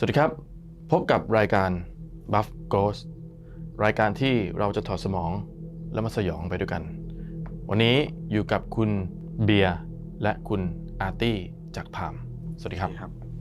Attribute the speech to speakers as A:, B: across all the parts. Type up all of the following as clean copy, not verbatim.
A: วัสดีครับพบกับรายการ Buff Ghost รายการที่เราจะถอดสมองและมาสยองไปด้วยกันวันนี้อยู่กับคุณเบียร์และคุณอาร์ตี้จากพามสวัสดีครับ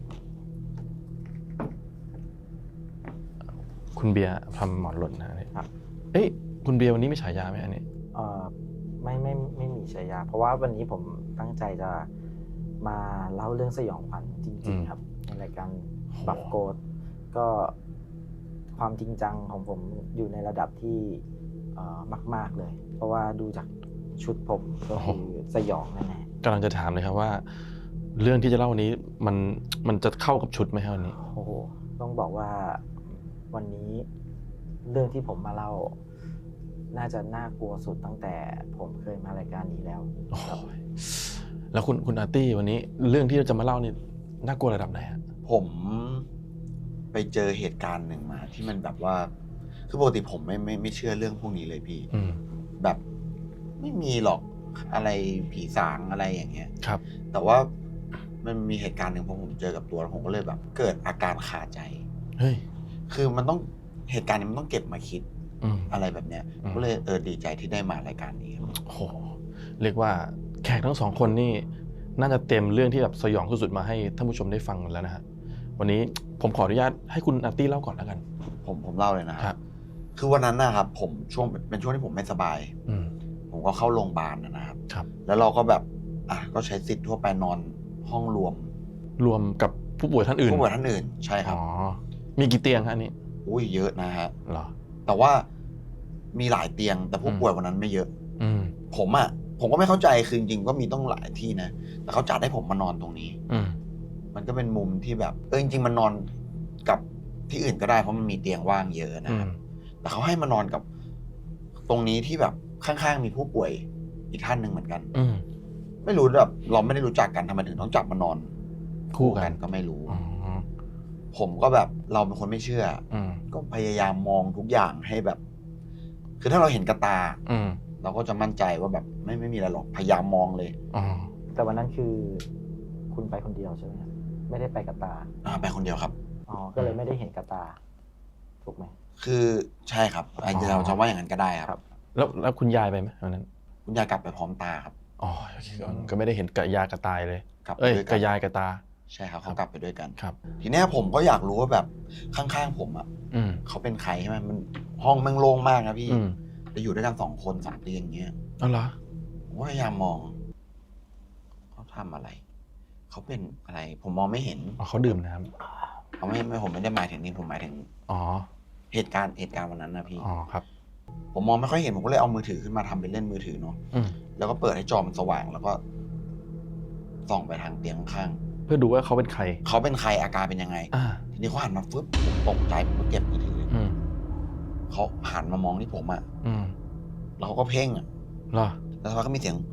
A: คุณเบียร์ทำหมอนหล่นนะครับเอ้ยคุณเบียร์วันนี้มีฉายาไหมอันนี้
B: ไม่มีฉายาเพราะว่าวันนี้ผมตั้งใจจะมาเล่าเรื่องสยองขวัญจริงๆครับในรายการบัฟโกดก็ความจริงจังของผมอยู่ในระดับที่มากๆเลยเพราะว่าดูจากชุดผมก็คือสยองแน่ๆ
A: กำลังจะถามเลยครับว่าเรื่องที่จะเล่าวันนี้มันจะเข้ากับชุดไหมครับวันนี้
B: โอ้โหต้องบอกว่าวันนี้เรื่องที่ผมมาเล่าน่าจะน่ากลัวสุดตั้งแต่ผมเคยมารายการนี้แล้ว
A: แล้วคุณอาร์ตี้วันนี้เรื่องที่เราจะมาเล่านี่น่ากลัวระดับไหนฮะ
C: ผมไปเจอเหตุการณ์หนึ่งมาที่มันแบบว่าคือปกติผมไม่เชื่อเรื่องพวกนี้เลยพี่แบบไม่มีหรอกอะไรผีสางอะไรอย่างเงี้ย
A: ครับ
C: แต่ว่ามันมีเหตุการณ์หนึ่งผมเจอกับตัวแล้วผมก็เลยแบบเกิดอาการคาใจ
A: เฮ้ย
C: คือมันต้องเหตุการณ์นี้มันต้องเก็บมาคิดอะไรแบบเนี้ยก็เลยดีใจที่ได้มารายการนี้
A: โอ้โหเรียกว่าแขกทั้งสองคนนี่น่าจะเต็มเรื่องที่แบบสยองสุดๆมาให้ท่านผู้ชมได้ฟังแล้วนะฮะวันนี้ผมขออนุญาตให้คุณอาร์ตี้เล่าก่อนแล้วกัน
C: ผมเล่าเลยนะครับคือวันนั้นนะครับผมเป็นช่วงที่ผมไม่สบายผมก็เข้าโรงพยาบาลนะครับแล้วเราก็แบบก็ใช้สิทธิ์ทั่วไปนอนห้องรวม
A: กับผู้ป่วยท่านอื่น
C: ใช่ครับ
A: มีกี่เตียงฮะอันนี้
C: อุ้ยเยอะนะฮะ
A: เหรอ
C: แต่ว่ามีหลายเตียงแต่ผู้ป่วยวันนั้นไม่เยอะผมก็ไม่เข้าใจคือจริงๆก็มีต้องหลายที่นะแต่เขาจัดให้ผมมานอนตรงนี้มันก็เป็นมุมที่แบบจริงๆมันนอนกับที่อื่นก็ได้เพราะมันมีเตียงว่างเยอะนะครับแต่เขาให้มานอนกับตรงนี้ที่แบบข้างๆมีผู้ป่วยอีกท่านหนึ่งเหมือนกันไม่รู้แบบเราไม่ได้รู้จักกันทำไมถึงต้องจับมานอนคู่กันก็ไม่รู้ผมก็แบบเราเป็นคนไม่เชื่อก็พยายามมองทุกอย่างให้แบบคือถ้าเราเห็นกระตาเราก็จะมั่นใจว่าแบบไม่มีอะไรหรอกพยายามมองเลย
B: แต่วันนั้นคือคุณไปคนเดียวใช่ไหมครับไม่ได้ไปกับตา
C: ไปคนเดียวครับ
B: ก็เลยไม่ได้เห็นกับตาถูกไหม
C: คือใช่ครับเราจะว่าอย่างนั้นก็ได้ครับ
A: แล้วคุณยายไปไหมวันนั้น
C: คุณยายกลับไปพร้อมตาครับ
A: ก็ไม่ได้เห็นกับยายกับตายเลยกับยายกับตา
C: ใช่ครับเขากลับไปด้วยกัน
A: ครับ
C: ทีนี้ผมก็อยากรู้ว่าแบบข้างๆผมเขาเป็นใครใช่ไหมมันห้องมันโล่งมากนะพี่จะอยู่ด้วยกัน2 คน3 เตียงอย่างเงี้ย
A: อ๋อเหรอ
C: ผมพยายามมองเขาทำอะไรเขาเป็นอะไรผมมองไม่เห็น
A: เขาดื่มน้
C: ำเขาไม่ผมไม่ได้หมายถึงนี่ผมหมายถึงเหตุการณ์วันนั้นนะพี่
A: ครับ
C: ผมมองไม่ค่อยเห็นผมก็เลยเอามือถือขึ้นมาทำเป็นเล่นมือถือเนาะแล้วก็เปิดให้จอมันสว่างแล้วก็ส่องไปทางเตียงข้าง
A: เพื่อดูว่าเขาเป็นใคร
C: อาการเป็นยังไงทีนี้เขาหันมาฟึบตกใจผมก็เก็บมือถือเขาหันมามองที่ผมแล้วเขาก็เพ่ง
A: เหรอ
C: แล้วเขาก็มีเสียง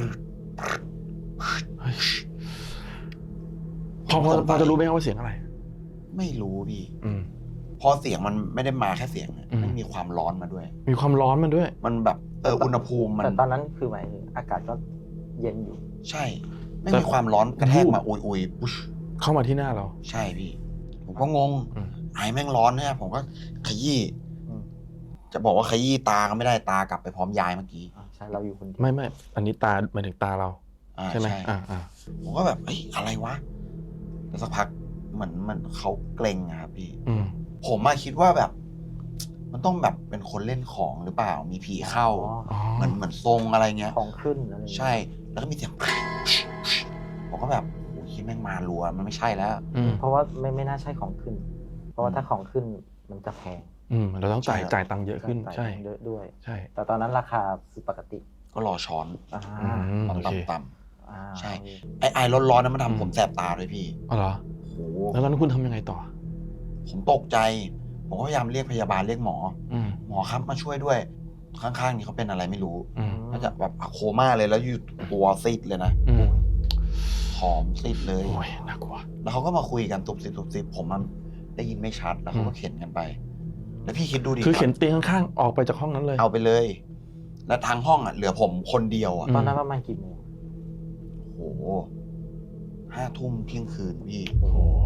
A: พอจะรู้ไหมว่าเสียงอะไร
C: ไม่รู้พี่พอเสียงมันไม่ได้มาแค่เสียงมันมีความร้อนมาด้วยมันแบบอุณหภูมิมัน
B: แต่ตอนนั้นคือหมายถึงอากาศก็เย็นอยู่
C: ใช่ไม่มีความร้อนกระแทกมาอุยปุ๊ช
A: เข้ามาที่หน้าเรา
C: ใช่พี่ผมก็งงไอ้แม่งร้อนเนี่ยผมก็ขยี้จะบอกว่าขยี้ตาก็ไม่ได้ตากลับไปพร้อมยายเมื่อกี้
B: ใช่เราอยู่คนเดียว
A: ไม่อันนี้ตาหมายถึงตาเราใช่ไหม
C: ผมก็แบบอะไรวะแล้วสักพักเหมือนมันเขาเกรงครับพี่ผมมาคิดว่าแบบมันต้องแบบเป็นคนเล่นของหรือเปล่ามีผีเข้าเหมือนทรงอะไรเงี้ย
B: ของขึ้นอะไร
C: ใช่แล้วก็มีเสียงผมก็แบบโอ้ยคิดแม่งมารัวมันไม่ใช่แล้ว
B: เพราะว่าไม่น่าใช่ของขึ้นเพราะว่าถ้าของขึ้นมันจะแพง
A: เราต้องจ่ายตังค์เยอะขึ้นใช่
B: เยอะด้วย
A: ใช่
B: แต่ตอนนั้นราคาคือปกติ
C: ก็รอช้อนต่ำใช่ไอร้อนๆนั้นมันทำผมแสบตาด้วยพี่
A: อ๋อเหรอ
C: โอ้
A: แล้วตอนนั้นคุณทำยังไงต่อ
C: ผมตกใจผมก็พยายามเรียกพยาบาลเรียกหมอครับมาช่วยด้วยข้างๆนี่เขาเป็นอะไรไม่รู้น่าจะแบบโคม่าเลยแล้วอยู่ตัวซีดเลยนะหอมซีดเลย
A: โอ้ยน่ากลัว
C: แล้วเขาก็มาคุยกันตุบซิบผมมันได้ยินไม่ชัดแล้วเขาก็เข็นกันไปแล้วพี่คิดดูดิ
A: คือเข็นเตียงข้างๆออกไปจากห้องนั้นเลย
C: เอาไปเลยแล้วทางห้องเหลือผมคนเดียว
B: ตอนนั้นประมาณกี่โมง
C: โอ้โห 5 ทุ่มเที่ยงคืนพี่
A: โอ้โห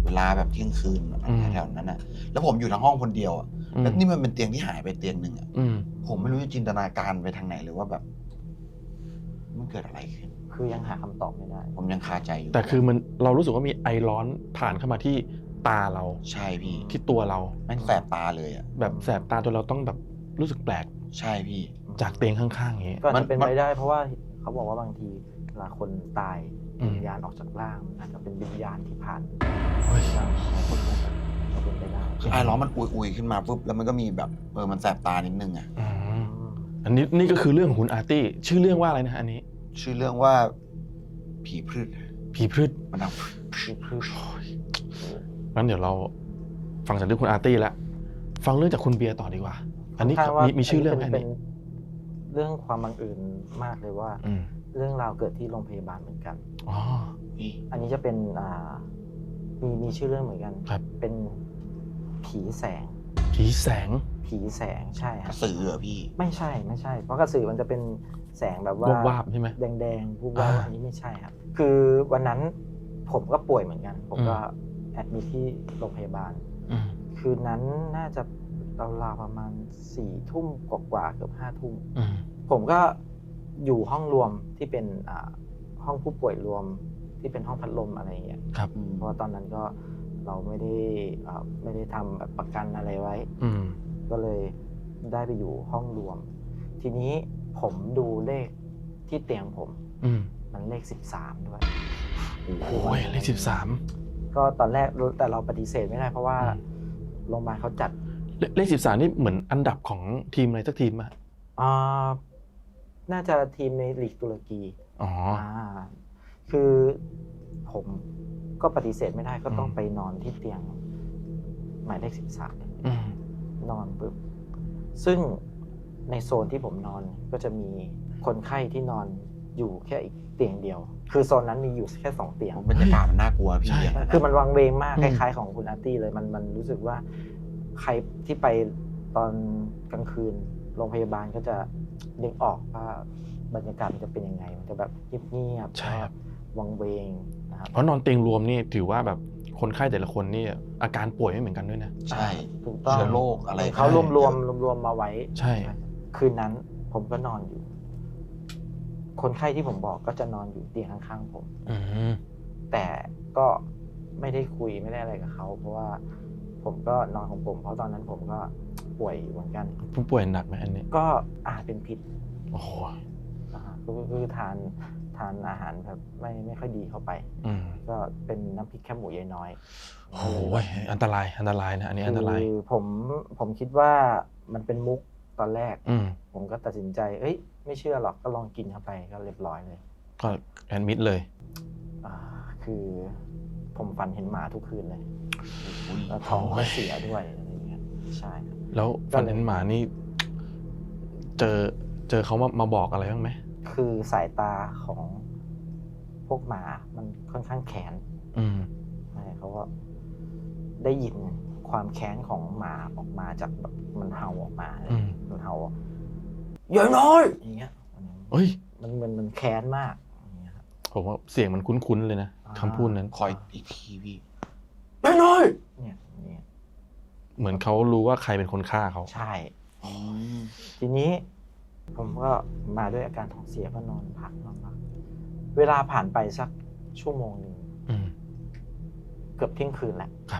C: เวลาแบบเที่ยงคืนแถวนั้นอ่ะแล้วผมอยู่ทั้งห้องคนเดียวอ่ะแล้วนี่มันเป็นเตียงที่หายไปเตียงหนึ่งอ่ะผมไม่รู้จะจินตนาการไปทางไหนเลยว่าแบบมันเกิดอะไรขึ้น
B: คือยังหาคำตอบไม่ได้
C: ผมยังคาใจอยู่
A: แต่คือมันเรารู้สึกว่ามีไอร้อนผ่านเข้ามาที่ตาเรา
C: ใช่พี่
A: ที่ตัวเรา
C: แม่งแสบตาเลยอ่ะ
A: แบบแสบตาจนเราต้องแบบรู้สึกแปลก
C: ใช่พี่
A: จากเตียงข้างๆอย่างนี้
B: ก็อาจจะเป็นไปได้เพราะว่าเขาบอกว่าบางทีเวลาคนตาย
A: อืม
B: วิญญาณออกจากร่างอาจจะเป็นวิญญาณที่ผ่าน
A: เฮ้ย
B: ร่างของคนนั้นก็เป็นไปได้
C: คือไอ้ร้อนมันอุยๆขึ้นมาปุ๊บแล้วมันก็มีแบบมันแสบตานิดนึงอ่ะ
A: อืมอันนี้นี่ก็คือเรื่องของคุณอาร์ตี้ชื่อเรื่องว่าอะไรนะฮะอันนี้
C: ชื่อเรื่องว่าผีพืช
A: ผีพืช
C: มันดัง
B: คือ
A: งั้นเดี๋ยวเราฟังจากเรื่องคุณอาร์ตี้แล้วฟังเรื่องจากคุณเบียร์ต่อดีกว่า อันนี้
B: ค่อนข้างว่า
A: มีชื่อเรื่องไหมอัน
B: เป็น
A: นี้
B: เรื่องความบังเอิญมากเลยว่า
A: อืม
B: เรื่องราวเกิดที่โรงพยาบาลเหมือนกัน
A: อ๋อ
C: นี่
B: อันนี้จะเป็นมีชื่อเรื่องเหมือนกัน
A: ครับ
B: เป็นผีแสง
A: ผีแสง
B: ผีแสงใช่ค
C: ก
B: รั
C: ระ
B: บ
C: สือเหรอพี่
B: ไม่ใช่เพราะกระสือมันจะเป็นแสงแบบว่า
A: วาบๆใช่ไหม
B: แดงๆวูบวาบ
A: อ่า
B: อันนี้ไม่ใช่ครับ คือวันนั้นผมก็ป่วยเหมือนกัน ผมก็แอดมิทที่โรงพยาบาล
A: อืม
B: คืนนั้นน่าจะราวๆประมาณ4 ทุ่มกว่าๆเกือบ5 ทุ่ม
A: อืม
B: ผมก็อยู่ห้องรวมที่เป็นห้องผู้ป่วยรวมที่เป็นห้องพัดลมอะไรอย่างเงี้ย
A: ครับ
B: เพราะว่าตอนนั้นก็เราไม่ได้ทำแบบประกันอะไรไว้
A: อืม
B: ก็เลยได้ไปอยู่ห้องรวม ทีนี้ผมดูเลขที่เตียงผม
A: อืม
B: มันเลข13ด้วย
A: โอ้ยเลข13
B: ก็ตอนแรกแต่เราปฏิเสธไม่ได้เพราะว่า
A: อืม
B: โรงพยาบาลเขาจัด
A: เลข13นี่เหมือนอันดับของทีมอะไรสักทีมอ่ะ
B: อ่าน่าจะทีมในลีกตุรกี
A: อ๋อ
B: คือผมก็ปฏิเสธไม่ได้ก็ต้อง
A: อืม
B: ไปนอนที่เตียงหมายเลข13
A: อืม
B: นอนปุ๊บซึ่งในโซนที่ผมนอนก็จะมีคนไข้ที่นอนอยู่แค่อีกเตียงเดียว คือโซนนั้นมีอยู่แค่2 เตียง
C: บรรยากาศมันน่ากลัวพี่
A: ใช่
C: อะ
B: คือมันวังเวงมาก
A: อื
B: ค
A: ม
B: ล้ายๆของคุณอาร์ตี้เลยมันรู้สึกว่าใครที่ไปตอนกลางคืนโรงพยาบาลก็จะนึกออกว่าบรรยากาศมันจะเป็นยังไง มันจะแบบเงียบๆ
A: ใช่ครับ
B: วังเวงนะครับ
A: เพราะนอนเตียงรวมนี่ถือว่าแบบคนไข้แต่ละคนนี่อาการป่วยไม่เหมือนกันด้วยนะ
C: ใช่
B: ถูกต้อง
C: เชื้อโรคอะไร
B: เขารวมมาไว้
A: ใช่
B: คืนนั้นผมก็นอนอยู่ คนไข้ที่ผมบอกก็จะนอนอยู่เตียงข้างๆผม
A: อืม
B: แต่ก็ไม่ได้คุยไม่ได้อะไรกับเขา เพราะว่าผมก็นอนของผม เพราะตอนนั้นผมก็ป่วยอยู่เหมือนกัน
A: ผู้ป่วยหนักไหมอันนี้
B: ก็เป็นพิษ
A: โอ้โห
B: นะฮะคือทานอาหารแบบไม่ค่อยดีเข้าไป
A: อืม
B: ก็เป็นน้ำพริกแคบหมูยายน้อย
A: โอ้โหอันตรายนะอันนี้อันตราย
B: คือผมคิดว่ามันเป็นมุกตอนแรก
A: อืม
B: ผมก็ตัดสินใจไม่เชื่อหรอกก็ลองกินเข้าไปก็เรียบร้อยเลย
A: ก็แอดมิดเลย
B: คือผมฝันเห็นหมาทุกคืนเลย
C: อุ๊ย
B: แล้วท้อง
A: โอ้
B: ก็
A: ย
B: เสียด้วยอะไรอย่างเงี้ยใช่ครับ
A: แล้วฟันเห็นหมานี่ เจอเขามาบอกอะไรบ้างไหม
B: คือสายตาของพวกหมามันค่อนข้างแข็ง
A: อืม
B: ใช่เขาก็ได้ยินความแค้นของหมาออกมาจากแบบมันเห่าออกมาเลย
A: อืม
B: มันเห่าอย่าน้อยอย่างเงี้ย
A: เฮ้ย
B: มันแค้นมากอย่างเงี้ยครับ
A: ผมว่าเสียงมันคุ้นๆเลยนะคำพูดนั้น
C: คอยอีกทีพี่
B: อย่าน้อยเนี่ยอย่างเงี้ย
A: เหมือนเขารู้ว่าใครเป็นคนฆ่าเขา
B: ใช่
C: อืม
B: ทีนี้ผมก็มาด้วยอาการท้องเสียก็นอนพักเวลาผ่านไปสักชั่วโมงหนึ่ง
A: อืม
B: เกือบเที่ยงคืนแหละ
A: ครับ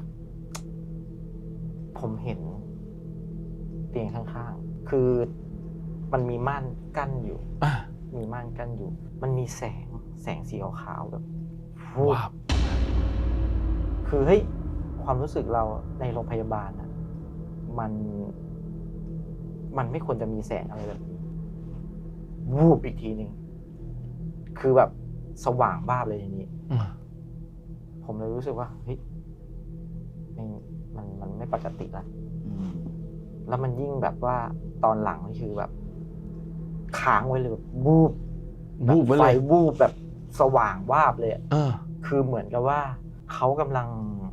B: ผมเห็นเตียงข้างๆ คือมันมีม่านกั้นอยู่
A: อ่ะ
B: มีม่านกั้นอยู่ มันมีแสงสีขาวๆแบบวูบ
A: ว้าว
B: คือความรู้สึกเราในโรงพยาบาลอ่ะมันไม่ควรจะมีแสงอะไรแบบนี้วูบอีกทีหนึ่งคือแบบสว่างบ้าบเลยทีนี้
A: อืม
B: ผมเลยรู้สึกว่ามันไม่ปกติละ
C: อืม
B: แล้วมันยิ่งแบบว่าตอนหลังนี่คือแบบค้างไว้เลยแบบวูบ
A: วูบไว้
B: ไฟ
A: เลย
B: วูบแบบสว่างวาบเลยอะ
A: เออ
B: คือเหมือนกับว่าเขากำลัง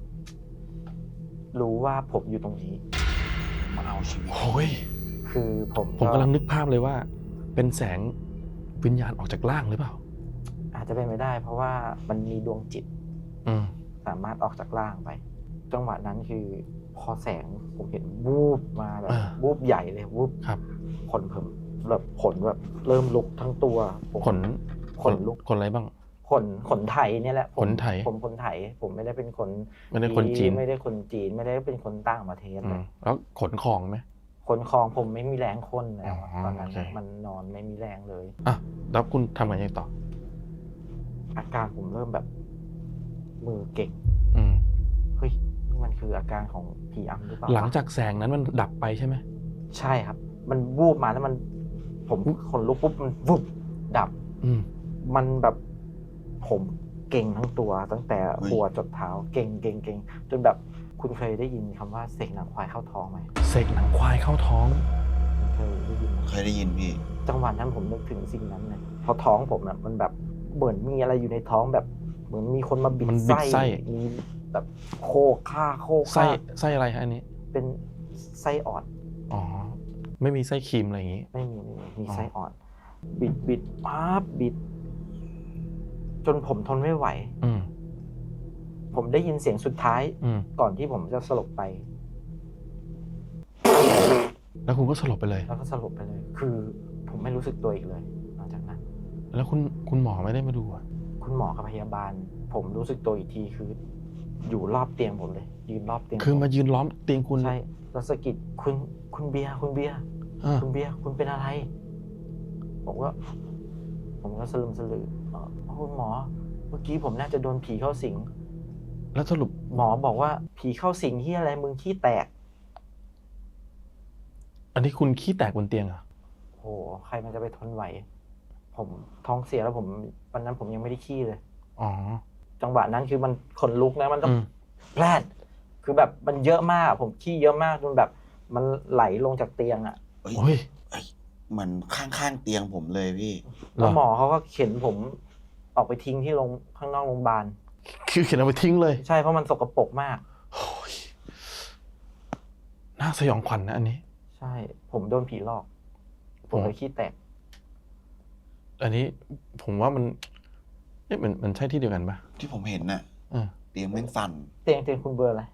B: รู้ว่าผมอยู่ตรงนี้
C: มาเอาชีวิต
A: โอ้ย
B: คือผม
A: ผมกำลังนึกภาพเลยว่า เป็นแสงวิญญาณออกจากร่างหรือเปล่า
B: อาจจะเป็นไม่ได้ เพราะว่ามันมีดวงจิต
A: อืม
B: สามารถออกจากร่างไปจังหวะนั้นคือพอแสงผมเห็นวูบมาแบบวูบใหญ่เลยวูบ
A: ครับ
B: ขนผมแบบขนแบบเริ่มลุกทั้งตัวผม ขนลุก
A: ขนอะไรบ้าง
B: ขนไถเนี่ยแหละผม
A: ขนไถ
B: ผมคนไถผมไม่ได้เป็นคน
A: ไม่ได้คนจีน
B: ไม่ได้คนจีนไม่ได้เป็นคนต่างประเทศเลย
A: แล้วขนของไหม
B: คนคลองผมไม่มีแรงคนแล้วอะ
A: อ๋อ
B: ตอนนั้น
A: โอเค
B: มันนอนไม่มีแรงเลย
A: อ่ะแล้วคุณทำไงต่อ
B: อาการผมเริ่มแบบมือเก่ง
A: อืม
B: เฮ้ยนี่มันคืออาการของผีอำหรือเปล่า
A: หลังจากแสงนั้นมันดับไปใช่ไหม
B: ใช่ครับ มันวูบมาแล้วมันผมขนลุกปุ๊บมันวุบดับ
A: อืม
B: มันแบบผมเก่งทั้งตัวตั้งแต่
C: เฮ้ย
B: หัวจดเท้าเก่งจนแบบคุณเคยได้ยินคำว่าเสกหนังควายเข้าท้องไหม
A: เสกหนังควายเข้าท้อง
B: เคยได้ยินไหม
C: เคยได้ยินพี่
B: จังหวะนั้นผมนึกถึงสิ่งนั้นเลยเพราะท้องผมน่ะมันแบบเหมือนมีอะไรอยู่ในท้องแบบ เหมือนมีคนมาบิด
A: มันบิดไส้
B: มีแบบโคฆ่า
A: ไส้อะไรฮะอันนี้
B: เป็นไส้อ่อน
A: อ๋อ ไม่มีไส้ครีมอะไรอย่างงี้
B: ไม่มีมี
A: อ๋อ
B: ไส้อ่อน บิดปั๊บบิด จนผมทนไม่ไหว
A: อืม
B: ผมได้ยินเสียงสุดท้าย
A: อืม
B: ก่อนที่ผมจะสลบไป
A: แล้วคุณก็สลบไปเลย
B: แล้วก็สลบไปเลย คือผมไม่รู้สึกตัวอีกเลยหลังจากนั้น
A: แล้วคุณหมอไม่ได้มาดูอ่ะ
B: คุณหมอกับพยาบาล ผมรู้สึกตัวอีกทีคือ อยู่รอบเตียงผมเลย ยืนรอบเตียง
A: คือมา
B: ผ
A: ยืนล้อมเตียงคุณ
B: ใช่แล้วสะกิดคุณเบียร์คุณเบียร์
A: อ่า
B: คุณเบียร์คุณเป็นอะไร ผมก็สลึมสลือคุณหมอ เมื่อกี้ผมน่าจะโดนผีเข้าสิง
A: แล้วสรุป
B: หมอบอกว่าผีเข้าสิงที่อะไรมึงขี้แตก
A: อันนี้คุณขี้แตกบนเตียงเหรอ่ะ
B: โหใครมันจะไปทนไหว ผมท้องเสียแล้ววันนั้นผมยังไม่ได้ขี้เลย
A: อ๋อ
B: จังหวะนั้นคือมันขนลุกนะมันต้อง
A: อืม
B: แพลดคือแบบมันเยอะมาก ผมขี้เยอะมากจนแบบ มันไหลลงจากเตียงอ่ะ
C: เอ้ย
A: โอ้ย
C: เหมือนข้างๆเตียงผมเลยพี่
B: แล้วหมอเขาก็เข็นผมออกไปทิ้งที่ข้างนอกโรงพยาบาล
A: คือเขียนเอาไปทิ้งเลย
B: ใช่เพราะมันสกปรกมาก
A: โอ้ยน่าสยองขวัญนะอันนี้
B: ใช่ ผมโดนผีหลอก ผมเลยขี้แตก
A: อันนี้ผมว่ามันเอ๊ะมันใช่ที่เดียวกันปะ
C: ที่ผมเห็นน่ะ
A: อ่า
C: เตียงแม่งสั่น
B: เตียงคุณเบอร์อะไร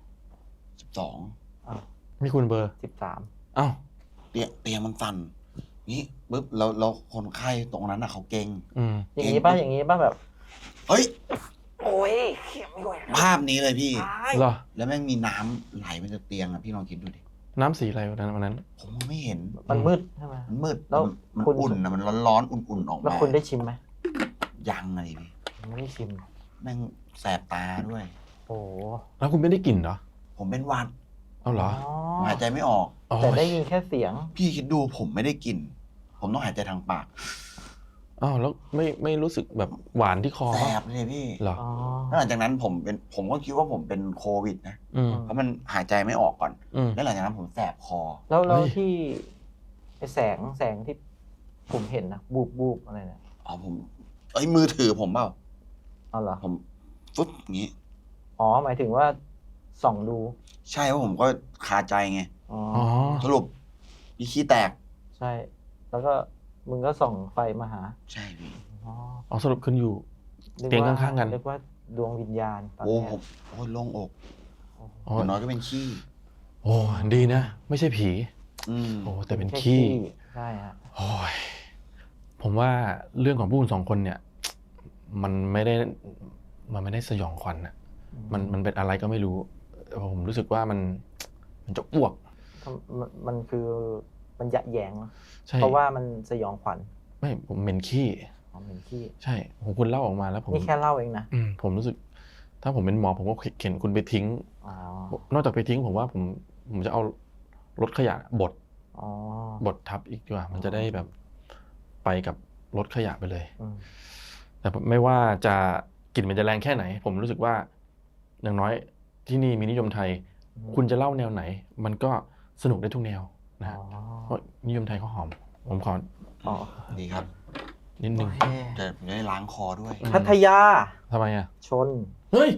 C: 12
A: มีคุณเบอร์
B: 13
A: อ้าว
C: เตียงมันสั่นนี่ปุ๊บแล้วคนไข้ตรงนั้นน่ะเขาเก่ง
A: อืม
B: อย่างนี้ป่ะอย่างนี้ป่ะแบบ
C: เฮ้ย
B: โอ้ยเข็มด้วย
C: ภาพนี้เลยพี่
A: เหรอ
C: แล้วแม่งมีน้ำไหลมาจากเตียงอ่ะพี่ลองคิดดูดิ
A: น้ำสีอะไรวันนั้น
C: ผมมองไม่เห็น
B: มันมืดใช่ไหม
C: มันมืด
B: แล้ว
C: มัน
B: คุณ
C: อุ่นนะมันร้อนๆอุ่นๆออก
B: แล้ว
C: มา
B: คุณได้ชิมไหม
C: ยังไงพี่
B: ไม่ได้ชิม
C: แม่งแสบตาด้วย
B: โอ้โห
A: แล้วคุณไม่ได้กลิ่นเหรอ
C: ผมเป็นหวัด
A: เอาเหรอ
C: ผมหายใจไม่ออก
A: อ๋อ
B: แต่ได้ยินแค่เสียง
C: พี่คิดดูผมไม่ได้กลิ่นผมต้องหายใจทางปาก
A: อ้าวแล้วไม่รู้สึกแบบหวานที่คอ
C: แส
A: ปะ
C: บเลยพี่
A: เหรอ
B: อ๋อ
C: แล้วหลังจากนั้นผมก็คิดว่าผมเป็นโควิดนะ
A: อืม
C: เพราะมันหายใจไม่ออกก่อน
A: อืม
C: แล้วหลังจากนั้นผมแสบคอ
B: แล้ว
A: เฮ้ย
B: ที่ไอแสงที่ผมเห็นนะบูบอะไรเนี่ย
C: อ๋อผมมือถือผมเปล่า
B: เอาเหรอ
C: ผมฟึ๊บอย่างงี้
B: อ๋อหมายถึงว่าส่องดู
C: ใช่เพราะผมก็คาใจไง
B: อ๋อ
A: อ๋อ
C: สรุปมีขี้แตก
B: ใช่ แล้วก็มึงก็ส่องไฟมาหา
C: ใช่พี่
B: อ๋อ
A: อ๋อสรุปคุณอยู่
B: นึก
A: เตียง
B: ว่
A: ข้างๆกัน
B: นึกว่าดวงวิญญาณตอน
C: โอ้
B: แร
C: ผ
B: ก
C: มโอ้ยโล่งอก
A: อ๋อ
C: อย่างน้อยก็เป็นขี้
A: โอ้ดีนะ ไม่ใช่ผี
C: อืม
A: โอ้แต่เป็น
B: แค่
A: ขี้
B: ใช่ฮะ
A: โอ้ยผมว่าเรื่องของพวกคุณสองคนเนี่ย มันไม่ได้สยองขวัญนะมันเป็นอะไรก็ไม่รู้ผมรู้สึกว่ามันจะอ้วก
B: มันคือมันยะแยงเนอะ
A: ใช่
B: เพราะว่ามันสยองขวัญ
A: ไม่ผมเหม็นขี้
B: อ๋อเหมือนขี้
A: ใช่ผมคุณเล่าออกมาแล้วผม
B: นี่แค่เล่าเองนะ
A: ผมรู้สึก ถ้าผมเป็นหมอผมก็เข็นคุณไปทิ้ง
B: อ๋อ
A: นอกจากไปทิ้งผมว่าผมจะเอารถขยะบด
B: อ๋อ
A: บดทับอีกดีกว่า มันจะได้แบบไปกับรถขยะไปเลย
B: อืม
A: แต่ไม่ว่าจะกลิ่นมันจะแรงแค่ไหน ผมรู้สึกว่าอย่างน้อยที่นี่มีนิยมไทย คุณจะเล่าแนวไหน มันก็สนุกได้ทุกแนวนะ
B: อ๋อ
A: เพราะนิยมไทยเขาหอม ผมขอ
B: อ๋อ
C: ดีครับ
A: นิดนึง
B: โอเค
C: จะได้ล้างคอด้วย
B: พัทยา
A: ทำไมอ่ะ
B: ชน
A: เฮ้ย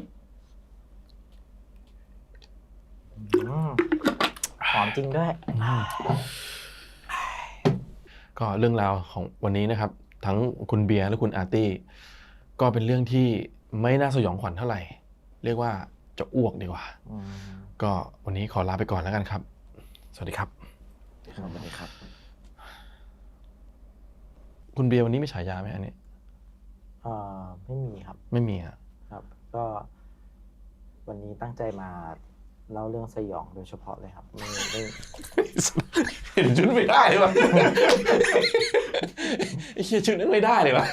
B: อืมหอมจริงด้วย
A: ก็เรื่องราวของวันนี้นะครับ ทั้งคุณเบียร์และคุณอาร์ตี้ก็เป็นเรื่องที่ไม่น่าสยองขวัญเท่าไหร่เรียกว่าจะอ้วกดีกว่า
B: อืม
A: ก็วันนี้ขอลาไปก่อนแล้วกันครับ สวัสดีครับ
C: สวัสดีครับ
A: คุณเบียร์วันนี้มีฉายาไหมอันนี้
B: ไม่มีครับ
A: ไม่มีอะ
B: ครับ ก็วันนี้ตั้งใจมาเล่าเรื่องสยองโดยเฉพาะเลยครับไม่
A: เห็นชุดไม่ได้เลยวะ ไอ้เฮียชุดนึกไม่ได้เลยวะ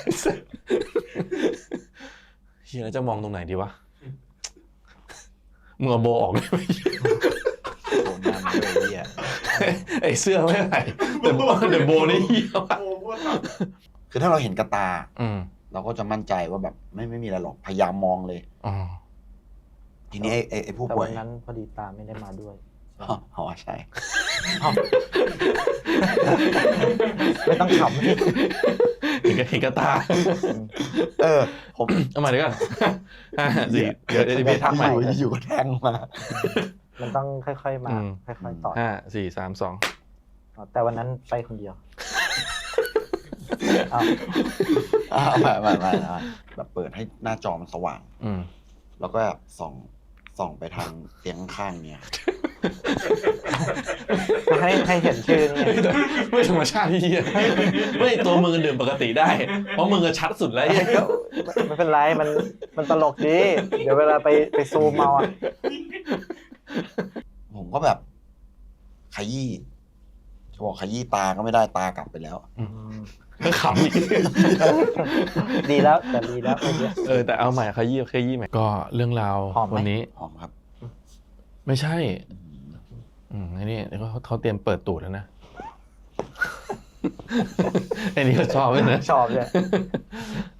A: เฮียแล้วจะมองตรงไหนดีวะมึงเอาโบออกได้ไหม
C: โดนน้ำเลยอ่ะ
A: ไอ้เสื้อไม่ไหวแต่โบนี่เฮียว่ะ
C: คือถ้าเราเห็นกระตา
A: อืม
C: เราก็จะมั่นใจว่าแบบไม่มีอะไรหรอกพยายามมองเลย
A: อ๋อ
C: ทีนี้ไอ้ผู้
B: แต่
C: ป่ว
B: วั
C: ย
B: นนั้นพอดีตาไม่ได้มาด้วย
C: อ๋อใช่
B: ไม่ต้องขำ
A: เห็นกระตา
C: ผม
A: เอาใหม่ดีกว่า4 เดี๋ยวพี่ทักใหม่
C: อยู่ก็แทงมา
B: มันต้องค่อยๆมา ค่อยๆต่อ
A: 5 4 3 2
B: แต่วันนั้นไปคนเดียวอ้าว
C: ไม่แบบเปิดให้หน้าจอมันสว่าง
A: อืม
C: แล้วก็ส่องไปทางเตียงข้างๆเนี่ย
B: ให้เห็นชื่อนี่
A: ไม่ธรรมชาติที่เหี้ยไม่ตัวมึงดื่มปกติได้ เพราะมึงอะชัดสุดแล้วไอ้เหี้ย
B: ไม่เป็นไรมันตลกดี เดี๋ยวเวลาไปซูมเอาอะ
C: ผมก็แบบขยี้จะบอกขยี้ตาก็ไม่ได้ตากลับไปแล้ว
A: ก็ขำอีก
B: ดีแล้วแต่ดีแล้วไม่เยอะ
A: แต่เอาใหม่ขยี้ใหม่ก็เรื่องราว
B: หอมไหม
A: วันนี้
C: หอมครับ
A: ไม่ใช่ไอ้นี่เขาเตรียมเปิดตูดแล้วนะ ไอ้นี่ก็ชอบเลยนะ
B: ชอบเลย